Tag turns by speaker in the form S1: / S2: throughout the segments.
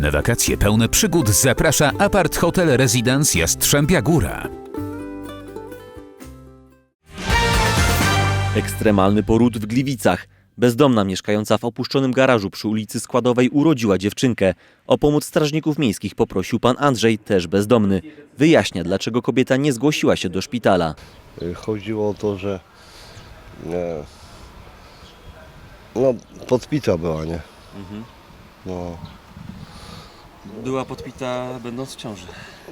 S1: Przyjemne wakacje pełne przygód zaprasza Apart Hotel Residence Jastrzębia Góra.
S2: Ekstremalny poród w Gliwicach. Bezdomna mieszkająca w opuszczonym garażu przy ulicy Składowej urodziła dziewczynkę. O pomoc strażników miejskich poprosił pan Andrzej, też bezdomny. Wyjaśnia, dlaczego kobieta nie zgłosiła się do szpitala.
S3: Chodziło o to, że podpita była, nie? No.
S2: Była podpita będąc w ciąży.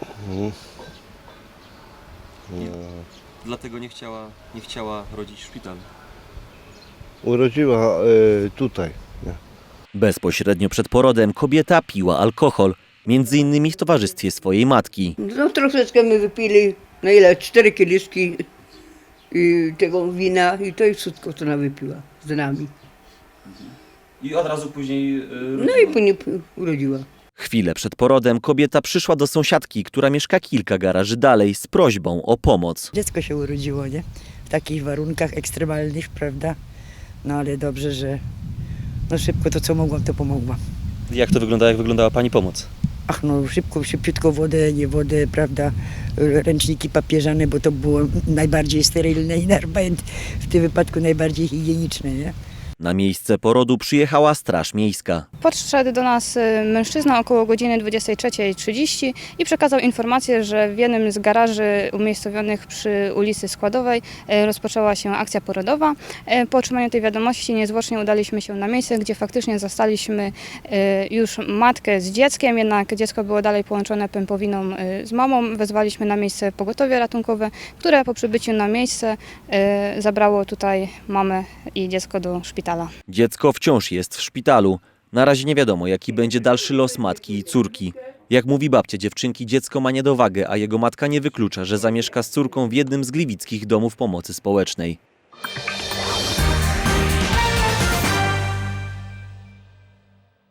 S2: Dlatego nie chciała rodzić w szpitalu.
S3: Urodziła tutaj. Nie?
S2: Bezpośrednio przed porodem kobieta piła alkohol. Między innymi w towarzystwie swojej matki.
S4: No troszeczkę my wypili, no ile, 4 kieliszki i tego wina i to jest wszystko, co ona wypiła z nami.
S2: I od razu później
S4: No i później urodziła.
S2: Chwilę przed porodem kobieta przyszła do sąsiadki, która mieszka kilka garaży dalej, z prośbą o pomoc.
S5: Dziecko się urodziło, nie? W takich warunkach ekstremalnych, prawda? No ale dobrze, że no szybko to co mogłam, to pomogłam.
S2: Jak to wygląda, jak wyglądała pani pomoc?
S5: Ach no szybciutko wodę, nie wodę, prawda? Ręczniki papieżane, bo to było najbardziej sterylne i w tym wypadku najbardziej higieniczne, nie?
S2: Na miejsce porodu przyjechała Straż Miejska.
S6: Podszedł do nas mężczyzna około godziny 23:30 i przekazał informację, że w jednym z garaży umiejscowionych przy ulicy Składowej rozpoczęła się akcja porodowa. Po otrzymaniu tej wiadomości niezwłocznie udaliśmy się na miejsce, gdzie faktycznie zastaliśmy już matkę z dzieckiem, jednak dziecko było dalej połączone pępowiną z mamą. Wezwaliśmy na miejsce pogotowie ratunkowe, które po przybyciu na miejsce zabrało tutaj mamę i dziecko do szpitala.
S2: Dziecko wciąż jest w szpitalu. Na razie nie wiadomo, jaki będzie dalszy los matki i córki. Jak mówi babcia dziewczynki, dziecko ma niedowagę, a jego matka nie wyklucza, że zamieszka z córką w jednym z gliwickich domów pomocy społecznej.